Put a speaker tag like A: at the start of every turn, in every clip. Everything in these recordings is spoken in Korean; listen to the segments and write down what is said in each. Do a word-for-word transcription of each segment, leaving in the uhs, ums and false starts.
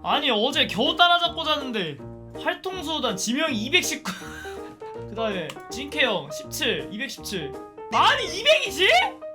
A: 아니 어제 겨우 따라잡고 잤는데 활통수단 지명이 이백십구 그 다음에 진케형 십칠 이백십칠 아니 이백이지?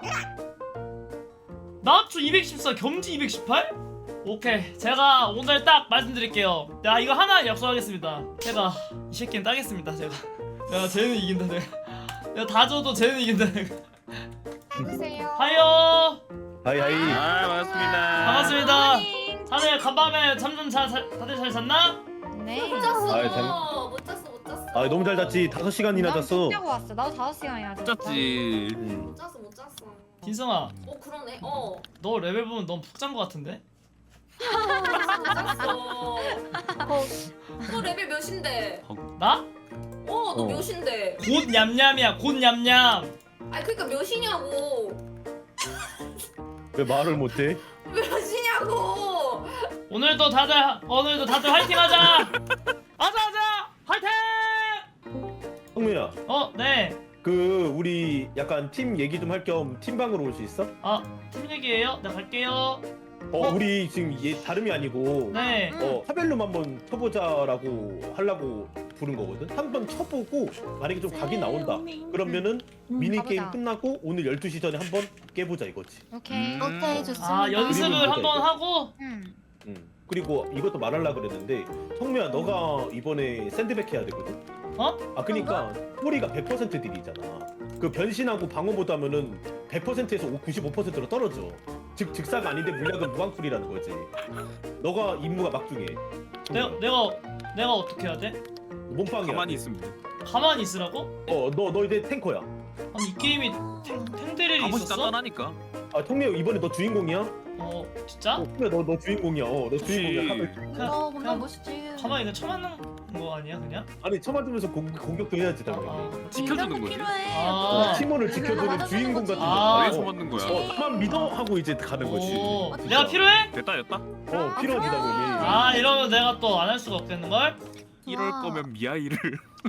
A: 나초 이백십사 겸지 이백십팔? 오케이 제가 오늘 딱 말씀드릴게요. 야 이거 하나 약속하겠습니다. 제가 이 새끼는 따겠습니다. 제가 내가 쟤는 이긴다. 내가 내가 다 줘도 쟤는 이긴다. 내가
B: 해주세요.
A: 하요
C: 하이 하이.
D: 아 반갑습니다.
A: 반갑습니다. 다들 간밤에 잠 좀 잘 다들 잘 잤나?
B: 네.
E: 못 잤어.
C: 아이, 잘-
E: 못 잤어. 못 잤어.
C: 아 너무 잘 잤지. 다섯 시간이나 잤어.
B: 자고 왔어. 나도 다섯 시간이나 잤어.
D: 짰지.
C: 음.
E: 못 잤어. 못 잤어.
A: 딘성아
E: 어 그러네. 어.
A: 너 레벨 보면 너무 푹 잔 거 같은데?
E: 못 잤어. 너 레벨 몇인데?
A: 나?
E: 어, 너
C: 어.
E: 몇인데?
A: 곧 냠냠이야 곧 냠냠.
E: 아니 그러니까 몇이냐고.
C: 왜 말을 못해?
E: 몇이냐고.
A: 오늘도 다들 오늘도 다들 화이팅하자. 하자 하자 화이팅.
C: 성민아,
A: 어 네.
C: 그 우리 약간 팀 얘기 좀 할 겸 팀방으로 올 수 있어?
A: 아 팀 얘기예요? 네 갈게요.
C: 어, 우리 지금 얘 다름이 아니고
A: 네.
C: 어 하벨룸 한번 쳐보자라고 하려고 부른 거거든. 한번 쳐보고 만약에 좀 각이 나온다. 그러면은 미니 게임
B: 가보자.
C: 끝나고 오늘 열두 시 전에 한번 깨보자 이거지.
B: 오케이.
D: 음.
E: 오케이 좋습니다.
A: 아 연습을
C: 그림을
A: 한번
C: 보자,
A: 하고.
B: 응.
C: 음. 그리고 이것도 말하려 그랬는데 성민아 너가 이번에 샌드백 해야 되거든.
A: 어?
C: 아 그니까 꼬리가 백 퍼센트 딜이잖아. 그 변신하고 방어 모드 하면은 백 퍼센트에서 구십오 퍼센트로 떨어져. 즉 즉사가 아닌데 물약은 무한쿨이라는 거지. 너가 임무가 막중해.
A: 내가 내가 내가 어떻게 해야 돼?
C: 몸빵이야.
D: 가만히 있으면 돼.
A: 가만히 있으라고?
C: 어너 너 이제 탱커야.
A: 아니 이 게임이 탱 탱데렐이
D: 아버지
A: 있었어?
D: 단단하니까.
C: 아 통미야 이번에 너 주인공이야?
A: 어 진짜?
C: 어 통미야 너 너 주인공이야. 어너 주인공이야. 하면
A: 그냥
E: 어,
A: 그냥
E: 그냥 멋있지.
A: 가만히 그냥 쳐맞는 거 아니야 그냥?
C: 아니 쳐맞으면서 공, 공격도 해야지
A: 아,
C: 당연히.
A: 아.
D: 지켜주는 거지.
A: 아.
C: 팀원을 지켜주는
E: 맞아,
C: 주인공
E: 맞아,
C: 같은
E: 맞아.
A: 아.
D: 왜
C: 거.
D: 쳐맞는 거야?
C: 어 나만 믿어 하고 이제 가는 거지.
A: 오,
C: 진짜.
A: 내가 필요해?
D: 됐다 됐다.
C: 어 필요하지 당연히.
A: 아 이러면 내가 또 안 할 수가 없겠는 걸?
D: 이럴 거면 미아이를.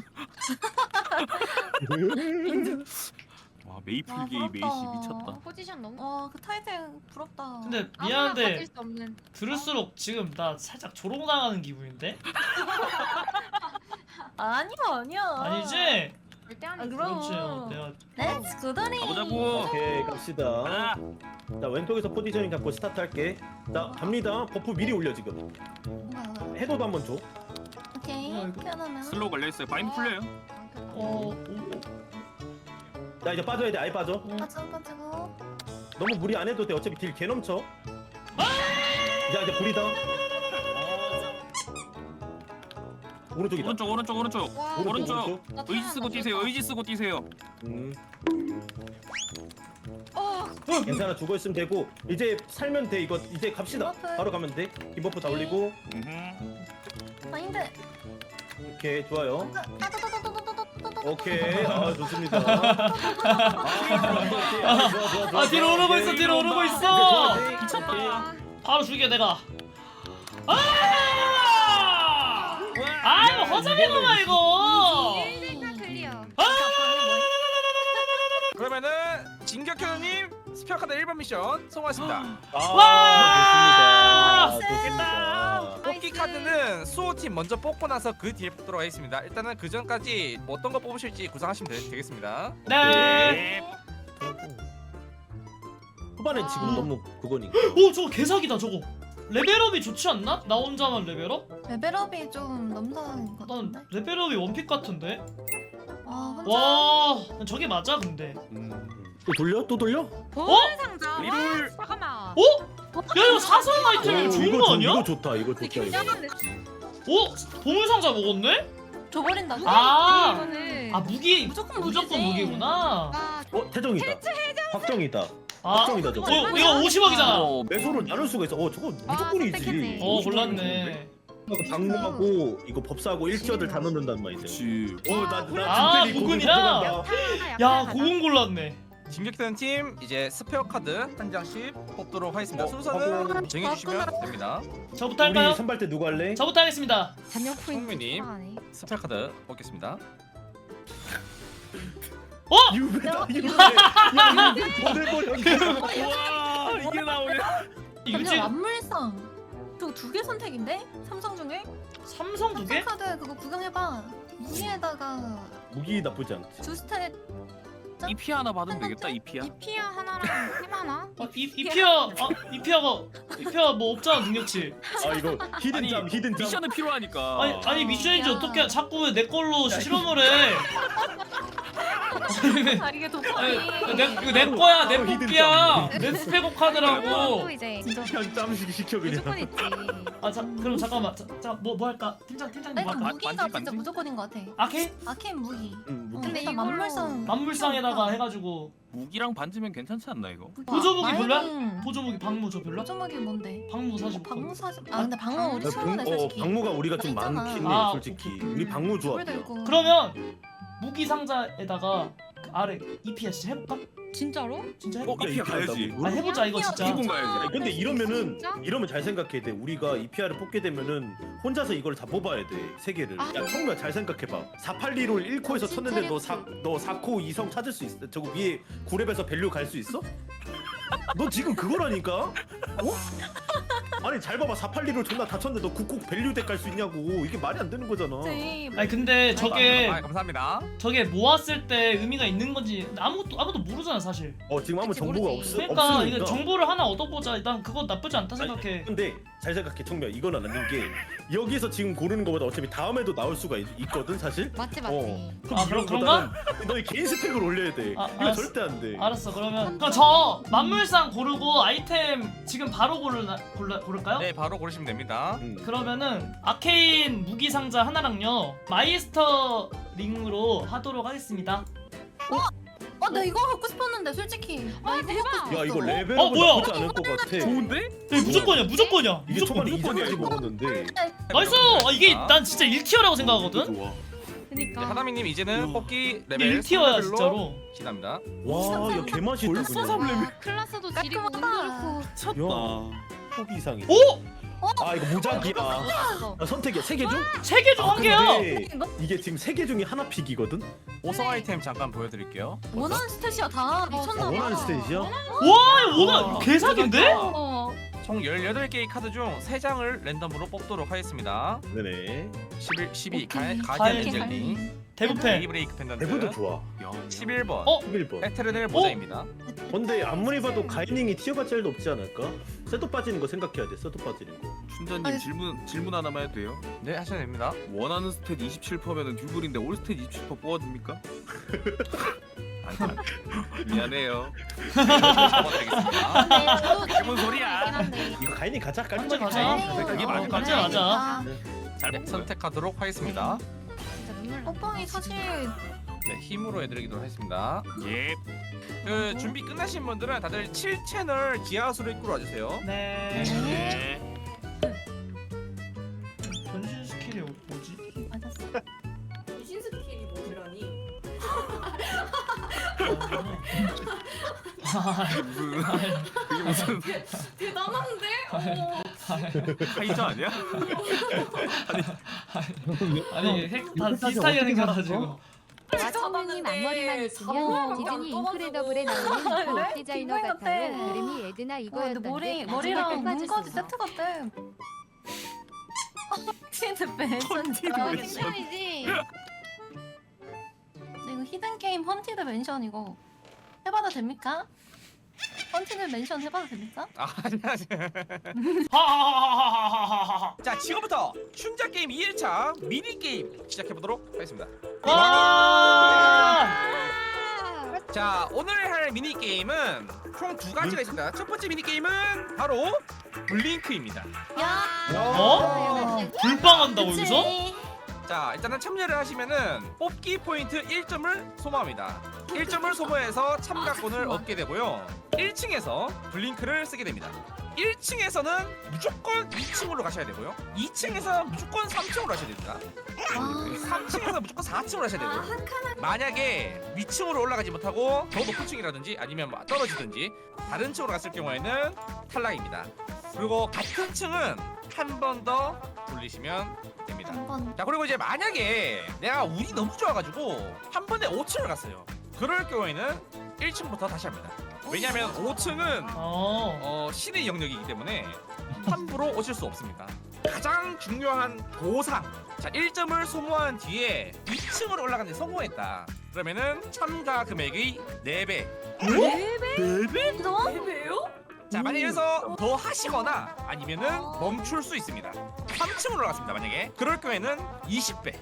D: 와 메이플 게이 메이시 미쳤다.
B: 포지션 너무.
E: 와그 타이틀 부럽다.
A: 근데
B: 아무나
A: 미안한데
B: 가질 수 없는.
A: 들을수록 지금 나 살짝 조롱당하는 기분인데?
E: 아니야 아니야.
A: 아니지?
B: 절대
E: 아,
B: 아니지.
E: 그럼.
A: 그렇지 어, 내가
E: 렛츠 고더니.
D: 가보자고.
C: 오케이 갑시다.
D: 아,
C: 자 왼쪽에서 포지셔닝 잡고 스타트 할게. 자 갑니다. 버프 미리 올려 지금. 해도도 한번 줘.
E: 오케이.
A: 어, 이거.
E: 편하면.
D: 슬로우 걸려 있어요. 바인드 풀려요.
A: 어...
C: 자 이제 빠져야 돼. 아예 빠져.
E: 빠져 빠지고.
C: 너무 무리 안 해도 돼. 어차피 딜 개 넘쳐. 자 이제 불이다. 오른쪽이다.
D: 오른쪽 오른쪽 오른쪽.
B: 와,
D: 오른쪽.
B: 나
D: 의지 쓰고
B: 태어났나
D: 뛰세요.
B: 보다.
D: 의지 쓰고 뛰세요.
C: 음,
B: 어.
C: 괜찮아 죽어 있으면 되고 이제 살면 돼. 이거 이제 갑시다.
E: 디버프.
C: 바로 가면 돼. 디버프 다 올리고.
D: 음흠.
E: 마인드.
C: 오케이 좋아요.
E: 따다다다다다다다다.
C: 오케이 아 좋습니다. 아, 좋아, 좋아, 좋아,
A: 아 뒤로
C: 좋아.
A: 오르고 있어
C: 오케이.
A: 뒤로 오르고
C: 이제
A: 있어
C: 좋아, 돼.
D: 미쳤다.
A: 바로 죽여 내가 아! 아 이거 허접이구만 이거
B: 일대가 클리어.
F: 그러면은 진격현우님 스피어카드 일 번 미션 성공하십니다.
C: 아,
A: 와!
C: 좋습니다. 좋습니다.
F: 뽑기 카드는 수호팀 먼저 뽑고 나서 그 뒤에 뽑도록 하겠습니다. 일단은 그 전까지 뭐 어떤 거 뽑으실지 구상하시면 되, 되겠습니다.
A: 네.
C: 후반에 지금
A: 아.
C: 너무 그거니까.
A: 오 저거 개사기다 저거 레벨업이 좋지 않나? 나 혼자만 레벨업?
E: 레벨업이 좀 넘사인 것
A: 난
E: 같은데.
A: 레벨업이 원픽 같은데?
E: 와 혼자.
A: 와 저게 맞아 근데
C: 또 돌려? 또 돌려?
A: 어?
B: 상자.
D: 리롤.
B: 와, 잠깐만.
A: 어? 야 이거 사소한 아이템이
C: 오,
A: 좋은
C: 이거
A: 거
C: 좋-
A: 아니야?
C: 이거 좋다. 이거 좋다. 이거.
B: 긴장한데.
A: 어? 보물상자 먹었네?
E: 줘버린다.
A: 아.
B: 이거는.
A: 아 무기
E: 무조건
A: 무조건
E: 무기지.
A: 무기구나
B: 아,
C: 어 태정이다. 확정이다.
A: 아
C: 확정이다 저거.
A: 어, 이거 오십억이잖아
D: 어,
C: 매소를 나눌 수가 있어. 어 저거
B: 아,
C: 무조건이지.
B: 선택했네.
A: 어 골랐네
C: 방무하고 이거 법사하고 일치어들 다 넣는단 말이야.
D: 그렇지.
C: 어나나
A: 아,
C: 진짜
A: 고군이라? 야
B: 고
A: 고군 골랐네
F: 진격현우팀 이제 스페어 카드 한 장씩 뽑도록 하겠습니다.
C: 어,
F: 순서는
C: 하고.
F: 정해주시면 됩니다.
A: 저부터 할까요?
C: 우리 선발 때 누구 할래?
A: 저부터 하겠습니다
B: 잔여 포인트.
F: 성민님.
B: 추가하네.
F: 스페어 카드 뽑겠습니다.
A: 어?
C: 유배다 유배. 야 유배 보내버려.
D: 와 이게 나오네.
A: 유지
E: 완물상. 이거 두 개 선택인데? 삼성 중에?
A: 삼성 두 개?
E: 삼성 카드 그거 구경해봐. 무기에다가
C: 무기 나쁘지 않지.
E: 두 스탯
D: 이피 하나 받으면 되겠다. 이피야.
B: 이피아 하나랑 햄 하나?
A: 아, 이, 이피아 아 이피아가 이피아 뭐 없잖아 능력치.
C: 아 이거 히든잠
D: 아니,
C: 히든잠.
D: 미션은 필요하니까.
A: 아니 아니 미션인지
E: 야.
A: 어떻게 자꾸 왜 내 걸로 실험을 해? 아니, 왜-
E: 아 이게
A: 아니,
E: 도파민.
A: 내, 이거 내 거야 내
C: 히든
A: 뽑기야 내 스페고 카드라고.
B: 또 이제
E: 진짜
C: 그냥 짬식 시켜
B: 무조건
C: 그냥.
B: 있지.
A: 아 자 그럼 잠깐만 자뭐 뭐 할까 팀장 팀장님 뭐
E: 아니
A: 할까?
E: 무기가
D: 반지,
E: 진짜
D: 반지?
E: 무조건인 것 같아.
A: 아케
E: 아케인 무기.
C: 응,
E: 어,
C: 무기.
B: 근데
E: 일단
B: 이걸로
E: 만물상
A: 만물상에다가 해가지고
D: 무기랑 반지면 괜찮지 않나 이거?
A: 보조무기 별로야?
E: 마이닝.
A: 보조무기 방무 저 별로?
E: 보조무기 뭔데?
A: 방무 사실
E: 방무 사지. 아 근데 방무 우리
C: 나
E: 친구네
C: 방- 어,
E: 솔직히.
C: 방무가 우리가 좀
E: 있잖아.
C: 많긴
A: 아,
C: 해 솔직히. 우리 방무 좋아.
E: 우리도 있고.
A: 그러면 무기 상자에다가 그 아래 이피아 진짜 해볼까?
B: 진짜로?
A: 진짜
D: 어,
A: 해볼까?
D: 이피아 가야지.
A: 아 해보자 이거 진짜.
D: 기본 가야지.
C: 아니, 근데 이러면은
B: 진짜?
C: 이러면 잘 생각해야 돼. 우리가 이피아를 뽑게 되면은 혼자서 이걸 다 뽑아야 돼. 세 개를.
B: 아.
C: 야 청구야 잘 생각해봐. 사팔리롤 일 코에서
E: 진짜
C: 쳤는데 너
E: 했지.
C: 사 너 사 코 이성 찾을 수 있어? 저거 위에 구 렙에서 밸류 갈 수 있어? 너 지금 그거라니까? 어? 아니 잘 봐봐. 사팔리롤 존나 다 쳤는데 너 구 코 밸류 덱 갈 수 있냐고. 이게 말이 안 되는 거잖아.
E: 그치.
A: 아니 근데 저게
F: 아, 감사합니다.
A: 저게 모았을 때 의미가 있는 건지 아무것도 아무도 모르잖아 사실.
C: 어 지금 아무
B: 그치,
C: 정보가
B: 모르지.
C: 없어.
A: 그러니까
C: 없으니까.
A: 이거 정보를 하나 얻어보자. 난 그거 나쁘지 않다 생각해.
C: 근데 잘 생각해 청미야. 이건 안 맞는 게 여기서 지금 고르는 것보다 어차피 다음에도 나올 수가 있, 있거든 사실.
B: 맞지 맞지.
C: 어.
A: 아, 그럼
C: 이거보다는 너의 개인 스펙을 올려야 돼.
A: 아,
C: 이거
A: 알았어.
C: 절대 안 돼.
A: 알았어 그러면 그럼 저 만물상 고르고 아이템 지금 바로 고르나 골라 고를까요?
F: 네, 바로 고르시면 됩니다.
C: 음.
A: 그러면은 아케인 무기 상자 하나랑요 마이스터 링으로 하도록 하겠습니다.
E: 어, 나 이거 갖고 싶었는데 솔직히. 나
B: 아,
E: 이거
B: 대박.
E: 갖고
C: 야 이거
E: 싶었어.
C: 레벨업은
A: 어, 뭐야?
C: 나쁘지 않을 것 같아.
D: 좋은데?
A: 야, 무조건이야 무조건이야.
C: 이게
A: 무조건.
C: 초반에 이점까지 먹었는데.
A: 나이스. 아, 이게 난 진짜 일 티어라고 생각하거든.
C: 좋아.
F: 네,
B: 그니까.
F: 하나미님 이제는
D: 야.
F: 뽑기
A: 이게
F: 레벨
A: 일 티어야
F: 레벨로
A: 진짜로.
F: 지납니다.
C: 와, 야 개맛있다
D: 벌써
C: 그냥.
D: 삼 레벨.
B: 와, 클라스도 지리고 운
E: 깔끔하다.
B: 좋고.
D: 쳤다.
C: 호비 이상이.
A: 오!
C: 아 이거 무작이야.
B: 어.
C: 아, 선택이야. 세 개 중?
A: 세 개 중
C: 아,
A: 한 개야.
C: 근데 이게 지금 세 개 중에 하나 픽이거든.
F: 오성 아이템 잠깐 보여드릴게요.
E: 원하는 스탯이야 다. 미쳤나 봐.
C: 원하는 스테이지야?
A: 와 이거
C: 와.
A: 오늘 개사기인데?
B: 어.
F: 총 열여덟 개의 카드 중 세 장을 랜덤으로 뽑도록 하겠습니다.
C: 네네.
F: 십일, 십이
E: 오케이.
F: 가디언
A: 가디언
F: 엔젤링,
A: 대부패.
F: 베이브레이크 펜던트,
C: 대부도 좋아.
D: 야,
F: 십일 번
A: 어?
C: 십일 번.
F: 에테르넬 모자입니다.
C: 근데 아무리 봐도 가이닝이 티어가 제일 높지 않을까? 셋도 빠지는 거 생각해야 돼. 셋도 빠지는 거.
D: 춘자님
E: 아니.
D: 질문 질문 하나만 해도 돼요?
F: 네, 하셔도 됩니다.
D: 원하는 스탯 이십칠 퍼센트면은 듀블인데 올 스탯 이십칠 퍼센트 뽑아줍니까? 아니, 아니. 미안해요.
F: 잡아드리겠습니다.
B: 근데 저도
F: 무슨 소리야?
B: 그렇긴 한데.
C: 이거 가이닝 가자.
A: 가자,
C: 깔끔하게
A: 가자.
C: 가자.
F: 그게
A: 어,
F: 맞는
A: 가자
F: 거야.
A: 가자.
D: 잘
F: 네,
D: 뽑아요.
F: 선택하도록 하겠습니다.
B: 진짜 눈물 나.
E: 오빵이 사실
F: 네, 힘으로 해드리도록 하겠습니다.
D: 예.
F: 그 준비 끝나신 분들은 다들 칠 채널 지하수로 입구로 와주세요.
A: 네.
D: 네.
A: 변신 스킬이 뭐지?
E: 맞았어.
G: 귀신 스킬이 뭐지라니?
A: 아,
D: 무슨 그게 무슨
G: 대단한데? 어.
D: 카이저 아니야?
A: 아니 핵 다 비슷하게 생겨가지고.
H: 와천님 앞머리만 있으면 디즈니 인크레더블에 나오는 그 옷 디자이너
E: 이거
H: 같아요.
E: 같아.
H: 이름이 에드나
E: 와, 근데
H: 이거였던데
E: 머리
H: 마지막에
E: 머리랑 눈까지
H: 빠졌어.
E: 세트 같아. 컨티드 맨션.
D: 컨티드
E: 아,
D: 맨션.
B: 칭찬이지.
E: 이거 히든 게임 헌티드 맨션 이거 해봐도 됩니까? 헌티드 맨션 해봐도 됩니까?
F: 아, 안녕하세요.
A: 하하하하하하하하.
F: 자, 지금부터 춘자 게임 이 일차 미니 게임 시작해 보도록 하겠습니다.
A: 와.
F: 자, 오늘 할 미니 게임은 총 두 가지가 있습니다. 첫 번째 미니 게임은 바로 블링크입니다.
E: 야.
A: 어? 불빵한다고 여기서?
F: 자, 일단은 참여를 하시면은 뽑기 포인트 일 점을 소모합니다. 일 점을 소모해서 참가권을 얻게 되고요. 일 층에서 블링크를 쓰게 됩니다. 일 층에서는 무조건 이 층으로 가셔야 되고요. 이 층에서 무조건 삼 층으로 하셔야 됩니다. 삼 층에서 무조건 사 층으로 하셔야 되고요. 만약에 위층으로 올라가지 못하고 더 높은 층이라든지 아니면 뭐 떨어지든지 다른 층으로 갔을 경우에는 탈락입니다. 그리고 같은 층은 한 번 더 돌리시면 됩니다.
E: 한번
F: 자, 그리고 이제 만약에 내가 운이 너무 좋아가지고 한 번에 오 층을 갔어요. 그럴 경우에는 일 층부터 다시 합니다. 왜냐면 오 층은
A: 어.
F: 어, 신의 영역이기 때문에 함부로 오실 수 없습니다. 가장 중요한 보상. 자, 일 점을 소모한 뒤에 이 층으로 올라가는데 성공했다. 그러면은 참가 금액의 네 배.
E: 이런?
G: 왜요?
F: 자, 만약에 여기서 더 하시거나 아니면은 멈출 수 있습니다. 삼 층으로 올라갔습니다. 만약에 그럴 경우에는 이십 배.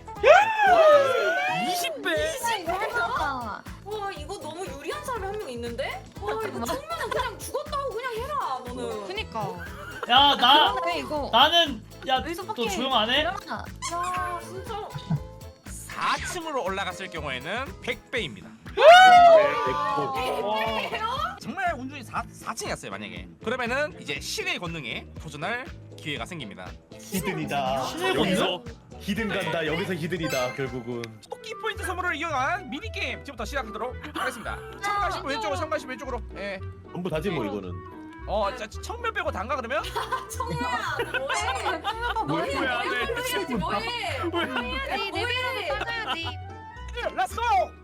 A: 이십 배?
E: 아,
G: 와 이거 너무 유리한 사람이 한 명 있는데? 와 이거 청면은 그냥 죽었다고 그냥 해라 너는.
B: 그니까.
A: 야, 나
E: 그러네 이거.
A: 나는 야,
E: 여기서
A: 너
E: 밖에
A: 조용 안 해?
E: 일어나.
G: 야 진짜.
F: 사 층으로 올라갔을 경우에는 백 배입니다. 정말 운중이 사, 사 층이었어요. 만약에 그러면은 이제 신의 권능에 도전할 기회가 생깁니다.
C: 히든이다.
A: 신의
C: 여기서 히든 간다. 여기서 히든이다. 결국은.
F: 토끼 포인트 선물을 이용한 미니게임 지금부터 시작하도록 하겠습니다. 참가하시면 왼쪽으로 참가하시면 왼쪽으로. 예.
C: 전부 다지 뭐 이거는.
F: 어, 자, 청면 빼고 단가 그러면?
G: 청면아 뭐해?
C: 뭐야,
G: 뭐해?
C: 네.
G: 해야지 뭐해?
B: 네, 레벨업을 따져야지.
F: 렛츠고!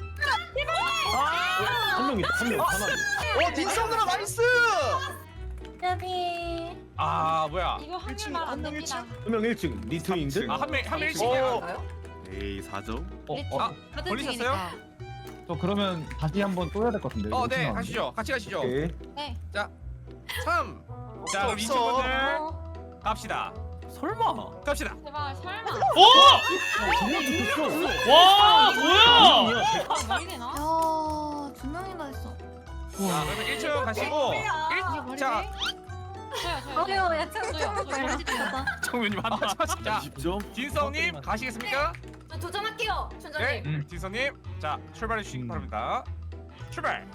C: 한 명이 한 명. 하나.
F: 어, 딘성 누나 나이스!
E: 여기.
F: 아, 뭐야?
B: 이거 하면 말안 됩니다.
C: 한 명 일 층. 리트윙드.
F: 아, 한 명, 한명
G: 어.
F: 일씩이야.
D: 에이 사 점.
I: 어,
B: 네,
I: 어,
F: 아,
B: 같은
F: 걸리셨어요?
B: 층이니까.
I: 저 그러면 다시 한번 또 해야 될 것 같은데.
F: 어,
I: 이거
F: 네,
I: 생각하면.
F: 가시죠. 같이 가시죠.
C: 오케이.
B: 네.
F: 삼. 자, 그럼 이친분들 갑시다. 설마? 갑시다.
B: 제발 설마.
A: 오!
C: 정말 죽었어.
A: 와, 뭐야?
B: 말이 되나?
E: 야, 두 명이나 했어.
F: 자, 그러면 일 층 가시고 일 자,
B: 저요 저요.
E: 어려, 야, 참, 참, 빨리 가자.
D: 청면님 한다.
F: 자,
C: 이십 점.
F: 진성님 가시겠습니까?
G: 저 도전할게요
F: 네,
G: 춘자님.
I: 음.
F: 진성님, 자 출발해 주시기
I: 음.
F: 바랍니다. 출발.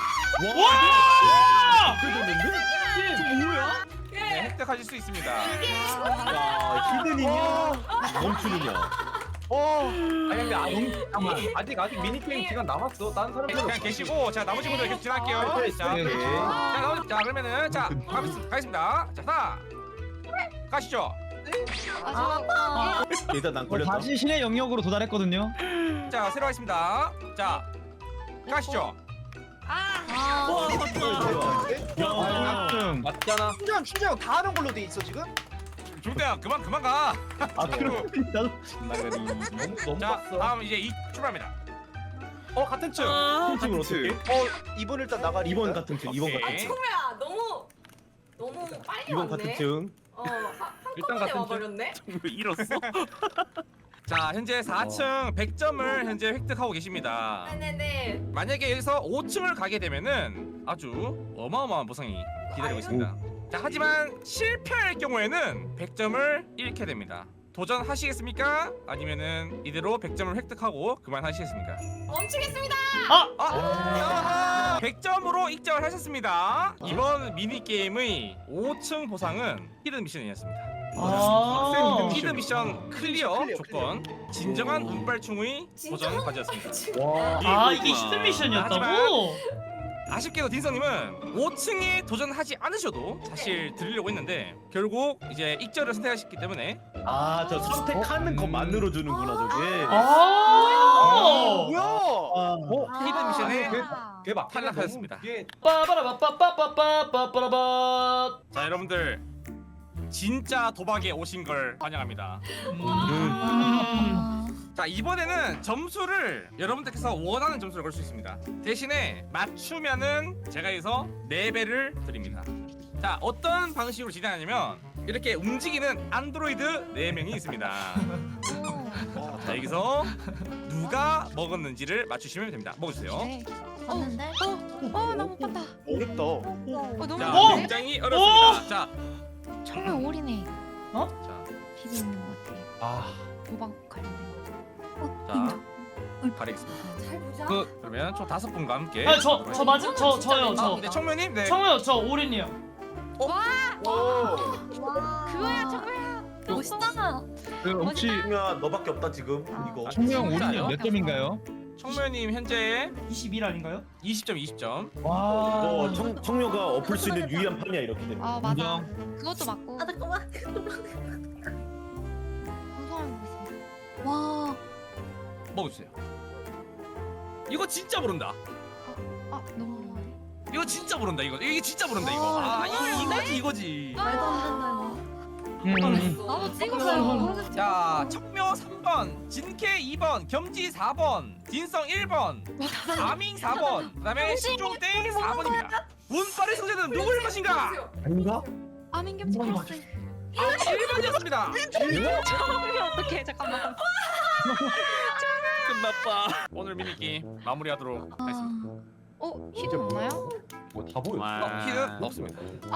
A: 와!
C: 그랬는데?
F: 네, 획득하실 수 있습니다.
C: 야, 히든이냐? 멈추느냐?
I: 아니 근데 아, 영, 잠깐만. 아직 아직 미니 게임 시간 남았어. 다른 사람
F: 그냥 계시고, 자 나머지 분들 계속 지나갈게요.
C: 네,
F: 자,
C: 네.
F: 자, 나머지, 자 그러면은 자 가겠습니다. 가겠습니다. 자, 하나, 가시죠.
E: 아,
C: 일단 난 걸렸다.
I: 다시 신의 영역으로 도달했거든요.
F: 자, 새로 하겠습니다. 자, 가시죠.
E: 아,
C: 야.
I: 음.
J: 맞잖아. 춘장 춘장 다 하는 걸로 돼 있어 지금?
F: 중대야, 그만 그만 가.
C: 아, 그럼 나도
J: 너무 너무
F: 자,
J: 봤어.
F: 다음 이제 이 출발합니다.
J: 어 같은 층.
C: 한 층을 어떻게?
J: 어 이번 일단 나가리.
C: 이번 같은 층. 이번
F: 오케이.
C: 같은
G: 아
C: 층.
G: 청면아 너무 너무 빨리
C: 이번
G: 왔네.
C: 같은 층.
G: 어 한-
I: 일단
G: 한꺼번에
I: 같은 층.
G: 와버렸네.
D: 잃었어?
F: 자, 현재 사 층 백 점을 현재 획득하고 계십니다.
G: 네네네.
F: 만약에 여기서 오 층을 가게 되면은 아주 어마어마한 보상이 기다리고 있습니다. 자, 하지만 실패할 경우에는 백 점을 잃게 됩니다. 도전하시겠습니까? 아니면은 이대로 백 점을 획득하고 그만하시겠습니까?
G: 멈추겠습니다.
F: 아! 백 점으로 익점을 하셨습니다. 이번 미니게임의 오 층 보상은 히든 미션이었습니다.
A: 아.
F: 히든 미션 클리어
J: 클리어,
F: 조건 진정한 운빨충의 도전 과제였습니다.
C: 와.
A: 아, 이게 히든 미션이었다고?
F: 아쉽게도 딘성님은 오 층에 도전하지 않으셔도 사실 드리려고 했는데 결국 이제 익절을 선택하셨기 때문에
C: 아, 저 선택하는 것만으로 주는구나 저게.
A: 아.
J: 뭐야?
C: 아,
F: 히든 미션에
I: 그게 막
F: 탈락하였습니다.
I: 이게
A: 빠바라바빠빠빠빠빠빠빠.
F: 자, 여러분들 진짜 도박에 오신 걸 환영합니다.
A: 음.
F: 자, 이번에는 점수를 여러분들께서 원하는 점수를 걸 수 있습니다. 대신에 맞추면은 제가 여기서 네 배를 드립니다. 자, 어떤 방식으로 진행하냐면 이렇게 움직이는 안드로이드 네 명이 있습니다. 자, 여기서 누가 먹었는지를 맞추시면 됩니다. 먹어주세요.
B: 네.
E: 봤는데?
B: 어, 나 못 봤다.
J: 어렵다.
B: 어, 너무
F: 자,
A: 어?
B: 어려운데?
F: 굉장히 어렵습니다. 자,
B: 정말 올이네.
F: 자,
B: 비비 있는 것 같아.
I: 아,
B: 도박 관련된 거.
F: 자, 가리겠습니다.
G: 잘 보자.
I: 그
F: 그러면 총 다섯 분과 함께.
A: 아, 저, 저 맞음, 저, 저요,
F: 아,
A: 저.
F: 네, 청면님, 네.
A: 청우요, 저 오린이요.
J: 오.
B: 그거야 정말.
E: 멋있다.
I: 그 혹시
C: 야, 너밖에 없다 지금 이거.
I: 총명
F: 진짜요?
I: 우리님 몇 점인가요?
F: 청면님 현재
A: 이십일 아닌가요?
F: 이십 점, 이십 점.
I: 와.
C: 어, 청 청녀가 엎을 수 있는 유일한 판이야 이렇게 되면.
B: 아 맞아.
I: 인정.
B: 그것도 맞고.
E: 아, 잠깐만.
B: 방송하고 있습니다.
E: 와,
F: 먹어주세요. 이거 진짜 모른다.
B: 아 너무 많네.
F: 이거 진짜 모른다 이거. 이게 진짜 모른다 이거. 아, 이거 이거지 이거지.
E: 말도 안 된다, 이거.
B: 나도 찍었어요.
F: 자, 척묘 삼 번, 진케 이 번, 겸지 사 번, 딘성 일 번, 아밍 사 번, 그다음에 신종땡 사 번입니다. 운빨의 승자는 누구일 것인가?
J: 아닌가?
B: 아민겸 찍혔어.
F: 아, 일 번이었습니다.
B: 어떡해 잠깐만.
F: 끝났다. 오늘 미니게임 마무리하도록 하겠습니다.
B: 어 히든 없나요?
J: 뭐다 보여.
F: 어, 키는 없습니다.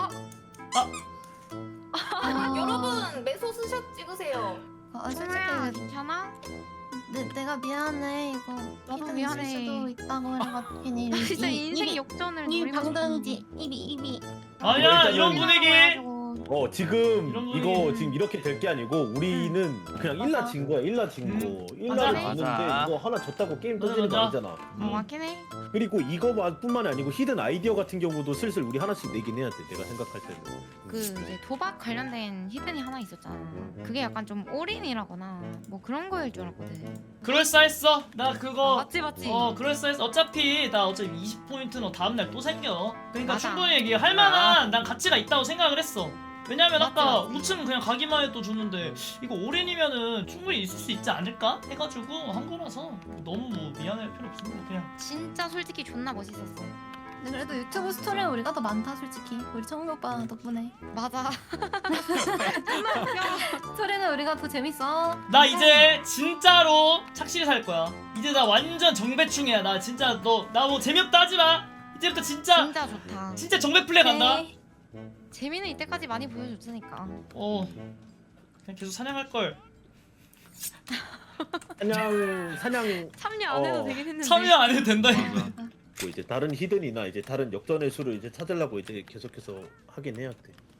B: 아,
G: 여러분 매소 스샷 찍으세요.
E: 아 솔직히
B: 솔직히 괜찮아?
E: 내, 내가 미안해 이거
B: 나도
E: 히든
B: 미안해.
E: 있을 수도 있다고 해가지고 괜히
B: 나 진짜
E: 이-
B: 인생
E: 입이-
B: 역전을
E: 이
B: 노리고
E: 방정이지 입이 입이
A: 아니야
C: 일단은-
A: 이런 분위기.
C: 어 지금
A: 이런
C: 이거
A: 분위기.
C: 지금 이렇게 될 게 아니고 우리는 그냥 일라
E: 맞아.
C: 진 거야. 일라 진
A: 음.
C: 거.
A: 맞아.
C: 일라를 졌는데
F: 맞아.
C: 이거 하나 졌다고 게임
A: 맞아,
C: 터지는 거
A: 맞아.
C: 아니잖아.
B: 어 맞긴 해.
C: 그리고 이거뿐만이 아니고 히든 아이디어 같은 경우도 슬슬 우리 하나씩 내긴 해야 돼. 내가 생각할 때는.
B: 그 이제 도박 관련된 히든이 하나 있었잖아. 그게 약간 좀 올인이라거나 뭐 그런 거일 줄 알았거든.
A: 그럴싸했어. 나 그거
B: 맞지 맞지.
A: 어 그럴싸했어. 어차피 나 어차피 이십 포인트는 다음날 또 생겨. 그러니까
B: 맞아.
A: 충분히 얘기할 만한 난 가치가 있다고 생각을 했어. 왜냐면
B: 맞지,
A: 아까
B: 맞지.
A: 우측은 그냥 가기만 해도 줬는데 이거 올인이면은 충분히 있을 수 있지 않을까 해가지고 한 거라서 너무 뭐 미안할 필요 없습니다. 그냥
B: 진짜 솔직히 존나 멋있었어.
E: 근데 그래도 유튜브 스토리는 우리가 더 많다 솔직히 우리 청룡 오빠 덕분에
B: 맞아.
E: 스토리는 우리가 더 재밌어.
A: 나 이제 진짜로 착실히 살 거야. 이제 나 완전 정배충이야. 나 진짜 너 나 뭐 재미없다 하지 마. 이제부터 진짜
B: 진짜 좋다.
A: 진짜 정배 플레이 간다.
E: 네.
B: 재미는 이때까지 많이 보여줬으니까.
A: 어 그냥 계속 사냥할 걸.
C: 사냥 사냥
B: 참여 안 해도
C: 어.
B: 되긴 했는데.
A: 참여 안 해도 된다.
C: 뭐 이제 다른 히든이나 이제 다른 역전의 수를 이제 찾으려고 이제 계속해서 하긴 해야 돼.